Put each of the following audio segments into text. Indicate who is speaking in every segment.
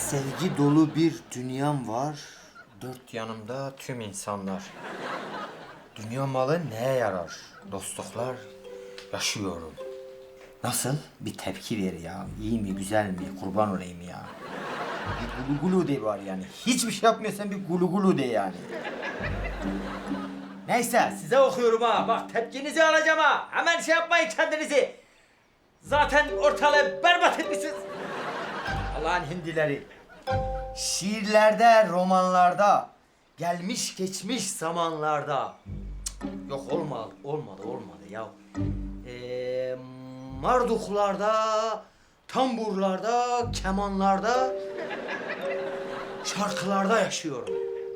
Speaker 1: Sevgi dolu bir dünyam var. Dört yanımda tüm insanlar. Dünya malı neye yarar? Dostluklar yaşıyorum. Nasıl? Bir tepki ver ya. İyi mi, güzel mi? Kurban olayım ya. Bir gulu gulu de var yani. Hiçbir şey yapmıyorsan bir gulu gulu de yani. Neyse size okuyorum ha. Bak tepkinizi alacağım ha. Hemen şey yapmayın kendinizi. Zaten ortalığı berbat etmişsiniz. Allah'ın hindileri. Şiirlerde, romanlarda, gelmiş geçmiş zamanlarda. Yok olmadı ya. Marduklarda, tamburlarda, kemanlarda, şarkılarda yaşıyorum.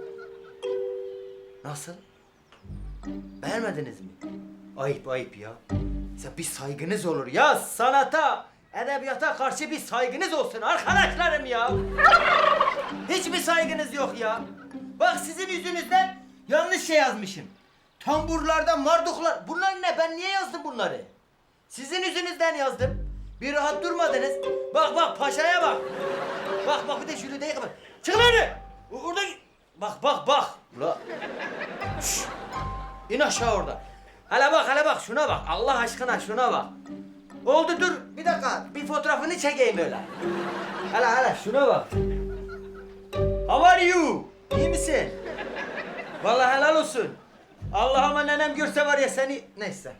Speaker 1: Nasıl? Beğenmediniz mi? Ayıp ya. Ya bir saygınız olur ya sanata, edebiyata karşı bir saygınız olsun arkadaşlarım ya. Hiçbir saygınız yok ya. Bak sizin yüzünüzden yanlış şey yazmışım. Tamburlarda marduklar. Bunlar ne? Ben niye yazdım bunları? Sizin yüzünüzden yazdım. Bir rahat durmadınız. Bak paşaya bak. Bak bir de şunu değil. Çık lan! Orada bak. Ula. Şşş. İn aşağı orada. Hele bak şuna bak. Allah aşkına şuna bak. Oldu dur. Bir dakika. Bir fotoğrafını çekeyim böyle. Hele şuna bak. How are you? İyi misin? Vallahi helal olsun. Allah'ıma nenem görse var ya seni... Neyse.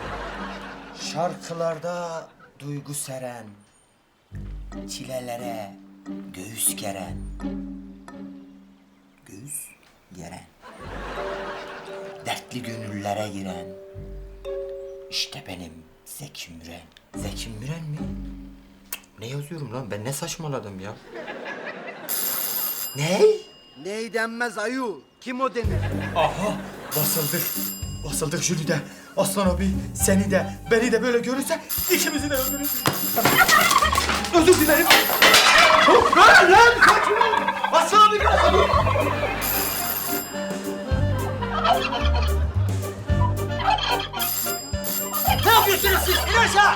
Speaker 1: Şarkılarda duygu seren, çilelere göğüs geren. Göğüs geren. Dertli gönüllere giren. İşte benim Zeki Müren. Zeki Müren mi? Ne yazıyorum lan? Ben ne saçmaladım ya? Ne?
Speaker 2: Ney denmez ayu. Kim o denir?
Speaker 1: Aha! Basıldık Jülide. Aslan abi seni de beni de böyle görürse ikimizi de öldürür. Özür dilerim. Lan kaçma! Aslan abi kaçma! Ne yapıyorsunuz siz? İn aşağı!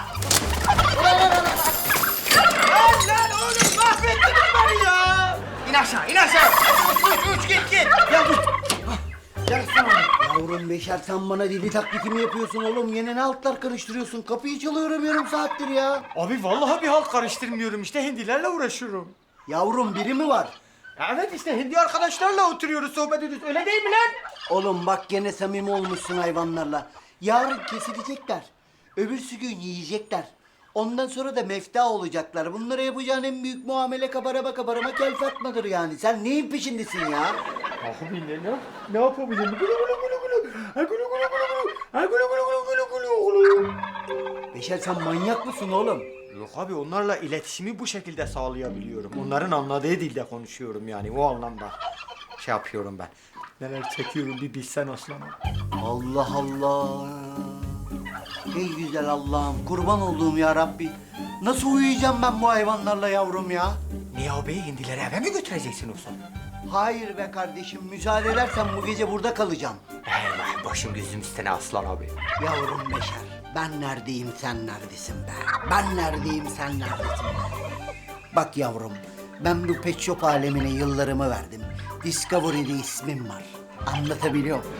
Speaker 1: Lan oğlum mahvettiniz beni ya! İn aşağı! Uç git! Ya dur! Gel aslan abi.
Speaker 2: Yavrum Beşer sen bana deli taklidi mi yapıyorsun oğlum? Yine ne altlar karıştırıyorsun? Kapıyı çalıyorum yarım saattir ya.
Speaker 1: Abi vallahi bir halt karıştırmıyorum işte hindilerle uğraşıyorum.
Speaker 2: Yavrum biri mi var?
Speaker 1: Evet işte hindi arkadaşlarla oturuyoruz sohbet ediyoruz öyle değil mi lan?
Speaker 2: Oğlum bak gene samimi olmuşsun hayvanlarla. Yarın kesilecekler. Öbürsü gün yiyecekler. Ondan sonra da mefta olacaklar. Bunlara yapacağın en büyük muamele kabarama kel fatmadır yani. Sen neyin peşindesin ya?
Speaker 1: Abi ne yapabilirim? Gulu gulu gulu gulu. Ha gulu gulu gulu gulu. Ha gulu gulu gulu gulu gulu.
Speaker 2: Beşer sen manyak mısın oğlum?
Speaker 1: Yok abi onlarla iletişimi bu şekilde sağlayabiliyorum. Onların anladığı dilde konuşuyorum yani o anlamda. Şey yapıyorum ben. Neler çekiyorum bir bilsen aslanım.
Speaker 2: Allah Allah. Ey güzel Allah'ım kurban olduğum ya Rabbi. Nasıl uyuyacağım ben bu hayvanlarla yavrum ya?
Speaker 1: Niye abi hindileri eve mi götüreceksin olsun?
Speaker 2: Hayır be kardeşim müsaade edersen bu gece burada kalacağım.
Speaker 1: Eyvah başım gözüm üstüne aslan abi.
Speaker 2: Yavrum Beşer ben neredeyim sen neredesin be? Ben neredeyim sen neredesin be? Bak yavrum ben bu pet shop alemine yıllarımı verdim. Discovery'de ismim var. Anlatabiliyor muyum?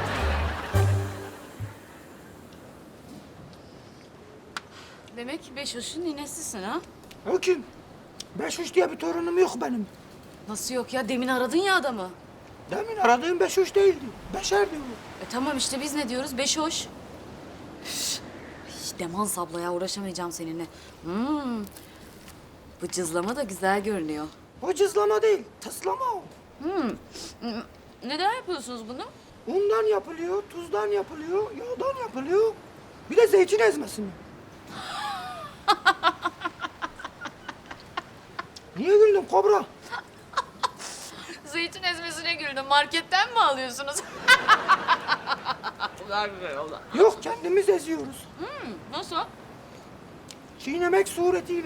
Speaker 3: Demek Beşoş'un ninesisin ha?
Speaker 1: O kim? Beşuş diye bir torunum yok benim.
Speaker 3: Nasıl yok ya? Demin aradın ya adamı.
Speaker 1: Demin aradığım Beşuş değildi. Beşerdi o.
Speaker 3: Tamam işte biz ne diyoruz? Beşoş. Üf, Demans abla ya uğraşamayacağım seninle. Bu cızlama da güzel görünüyor.
Speaker 1: O cızlama değil, tıslama o.
Speaker 3: Neden yapıyorsunuz bunu?
Speaker 1: Undan yapılıyor, tuzdan yapılıyor, yağdan yapılıyor. Bir de zeytin ezmesi mi? Niye güldün kobra?
Speaker 3: Zeytin ezmesine güldüm. Marketten mi alıyorsunuz? Güzel güzel oldu.
Speaker 1: Yok, kendimiz eziyoruz.
Speaker 3: Nasıl?
Speaker 1: Çiğnemek suretiyle.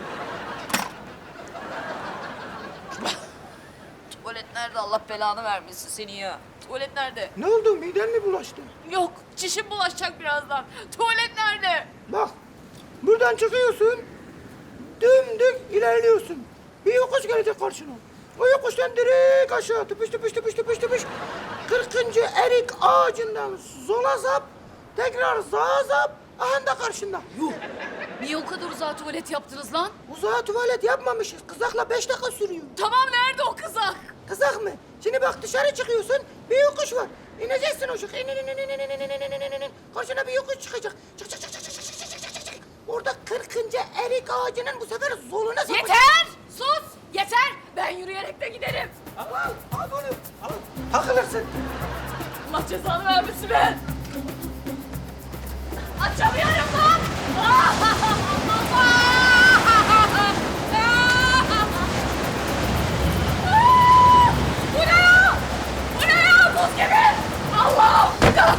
Speaker 3: Tuvalet nerede? Allah belanı vermesin seni ya. Tuvalet nerede?
Speaker 1: Ne oldu, miden mi bulaştı?
Speaker 3: Yok, çişim bulaşacak birazdan. Tuvalet nerede?
Speaker 1: Bak, buradan çıkıyorsun, dümdük ilerliyorsun.
Speaker 4: Bir yokuş gelecek karşına. O yokuştan direkt aşağı tıpış tıpış tıpış tıpış tıpış. 40. erik ağacından sola zap, tekrar sağa zap, aha da karşında. Yuh!
Speaker 3: Niye o kadar uzağa tuvalet yaptınız lan?
Speaker 4: Uzağa tuvalet yapmamışız. Kızakla 5 dakika sürüyor.
Speaker 3: Tamam nerede o kızak?
Speaker 4: Kızak mı? Şimdi bak dışarı çıkıyorsun, bir yokuş var. İneceksin o şık. İn, in, in, in, in, in, in, in, in. Karşına bir yokuş çıkacak. Çık, çık, çık, çık, çık, çık, çık, çık, çık, çık. Orada 40. erik ağacının bu sefer soluna sapacak.
Speaker 3: Yeter! Sus! Yeter! Ben yürüyerek de giderim.
Speaker 4: Al, al bunu. Al. Takılırsın.
Speaker 3: Allah cezanı vermesin be! Açamıyorum lan! Bu ne ya? Bu ne ya? Buz gibi! Allah!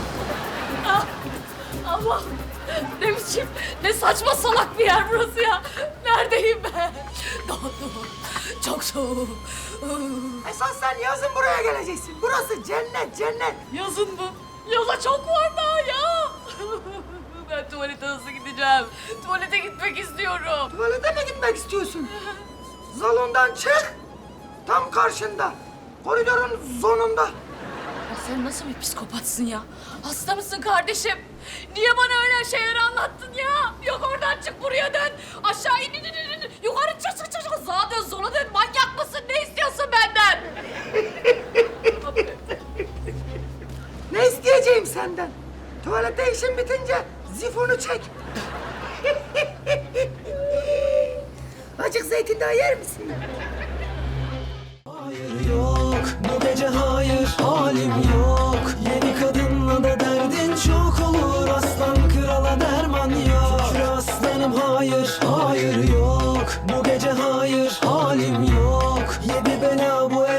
Speaker 3: Allah! Ne biçim, ne saçma salak bir yer burası ya. Neredeyim ben? Dondum. Çok soğuk.
Speaker 4: Esas sen yazın buraya geleceksin. Burası cennet, cennet.
Speaker 3: Yazın mı? Yaza çok var daha ya. Ben tuvalete nasıl gideceğim? Tuvalete gitmek istiyorum.
Speaker 4: Tuvalete mi gitmek istiyorsun? Salondan çık. Tam karşında. Koridorun sonunda.
Speaker 3: Ya sen nasıl bir psikopatsın ya? Hasta mısın kardeşim? Niye bana öyle şeyler anlattın ya? Yok oradan çık buraya dön. Aşağı in in in in. Yukarı çık çık çık. Sağa dön sola dön. Manyak mısın? Ne istiyorsun benden?
Speaker 4: Ne isteyeceğim senden? Tuvalette işin bitince zifonu çek. Acık zeytin daha yer misin?
Speaker 5: Hayır yok, bu gece hayır, halim yok. Yeni kadınla da derdin çok olur. Aslan krala derman yok. Şükür aslanım hayır, hayır yok. Bu gece hayır, halim yok. Yedi bela bu